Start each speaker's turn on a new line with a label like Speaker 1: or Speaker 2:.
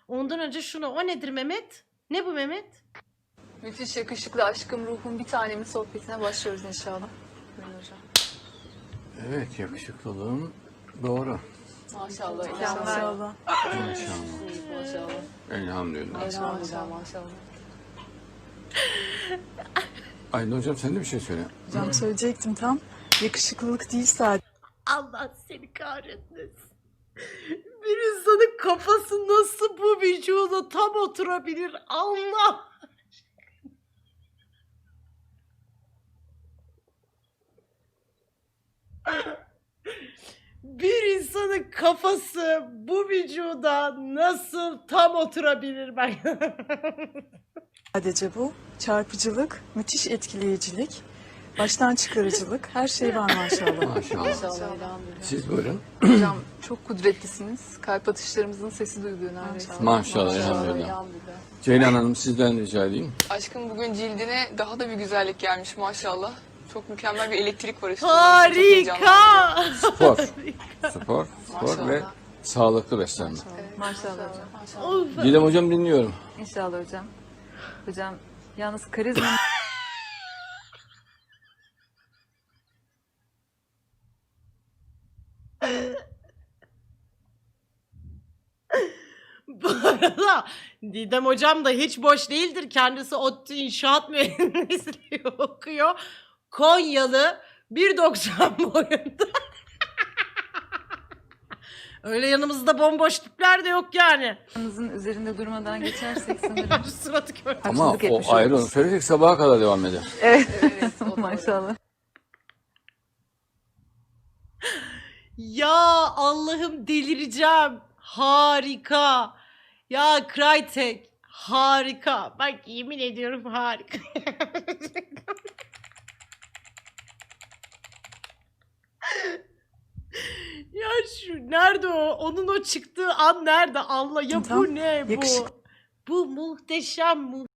Speaker 1: Ondan önce şunu. O nedir Mehmet? Ne bu Mehmet?
Speaker 2: Müthiş yakışıklı aşkım ruhum bir tanemin sohbetine başlıyoruz inşallah. Buyurun hocam.
Speaker 3: Evet, yakışıklılığın doğru.
Speaker 2: Maşallah.
Speaker 4: Maşallah.
Speaker 3: Maşallah.
Speaker 2: Maşallah.
Speaker 3: Elhamdülillah.
Speaker 2: Maşallah.
Speaker 3: Aydın hocam sen de bir şey söyle.
Speaker 4: Hocam söyleyecektim tam. Yakışıklılık değil sadece.
Speaker 1: Allah seni kahretmesin. Bir insanın kafası nasıl bu vücuda tam oturabilir? Allah! Bir insanın kafası bu vücuda nasıl tam oturabilir ben?
Speaker 4: Sadece bu. Çarpıcılık, müthiş etkileyicilik, baştan çıkarıcılık, her şey var maşallah.
Speaker 3: Maşallah.
Speaker 2: Maşallah. Elhamdülillah.
Speaker 3: Siz buyurun.
Speaker 2: Hocam çok kudretlisiniz. Kalp atışlarımızın sesi duyuluyor neredeyse.
Speaker 3: Maşallah, elhamdülillah. Ceylan Hanım sizden rica edeyim.
Speaker 5: Aşkım bugün cildine daha da bir güzellik gelmiş maşallah. Çok mükemmel bir elektrik var üstünde.
Speaker 1: Harika!
Speaker 3: Spor. Spor
Speaker 2: Maşallah.
Speaker 3: ve sağlıklı beslenme.
Speaker 6: Maşallah hocam.
Speaker 1: Of.
Speaker 3: Didem hocam dinliyorum.
Speaker 6: İnşallah hocam. Hocam yalnız karizma
Speaker 1: Bu arada Didem hocam da hiç boş değildir. Kendisi ODTÜ İnşaat Mühendisliği okuyor. Konyalı 1.90 boyunda. Öyle yanımızda bomboş tipler de yok yani.
Speaker 6: yanınızın üzerinde durmadan geçersek sanırım.
Speaker 1: Suratı kör.
Speaker 3: Ama
Speaker 6: Haksızlık etmiş
Speaker 3: o ayrı, onu
Speaker 6: oluruz.
Speaker 3: söyleyecek sabaha kadar devam eder.
Speaker 2: Evet, o doğru.
Speaker 6: Maşallah.
Speaker 1: Ya Allah'ım delireceğim. Harika. Ya Crytek harika. Bak yemin ediyorum harika. Ya şu nerede o? Onun o çıktığı an nerede? Allah ya bu
Speaker 4: Tam
Speaker 1: ne bu?
Speaker 4: yakışık-
Speaker 1: Bu muhteşem